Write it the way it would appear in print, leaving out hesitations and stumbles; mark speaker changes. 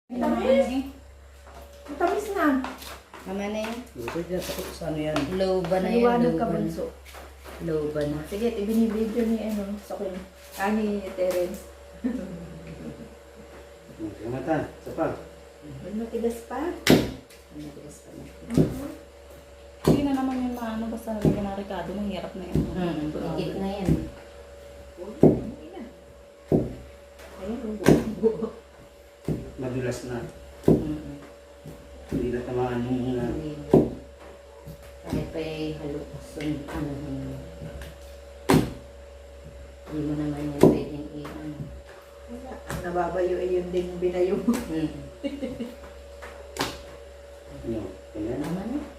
Speaker 1: Matamis. Matamis na.
Speaker 2: Mama na yun.
Speaker 3: Ito dyan, sa ano yan?
Speaker 2: Low ba na yun?
Speaker 1: Maliwanag
Speaker 2: Low
Speaker 1: ka,
Speaker 2: ba na?
Speaker 1: bunso.
Speaker 2: Low ba na?
Speaker 1: Sige, ibinibidyo ni sa akin. Ni Terence.
Speaker 3: Yung mata, sa pag.
Speaker 1: Matigas pa.
Speaker 2: Matigas pa na.
Speaker 4: Hindi na naman yung maano, basta nalagyan ng Ricardo, mahirap na yun.
Speaker 2: Higit na yan.
Speaker 1: Ayun,
Speaker 3: Madulas na.
Speaker 2: Mm.
Speaker 3: Hindi na tamaan yung
Speaker 2: Hindi. Kahit pa halo, ano, hindi mo naman yan pwedeng i-ano.
Speaker 1: wala. Ang nababayo ay yun din binayo.
Speaker 2: Mm.
Speaker 3: Ano, ganyan.
Speaker 2: Tama na.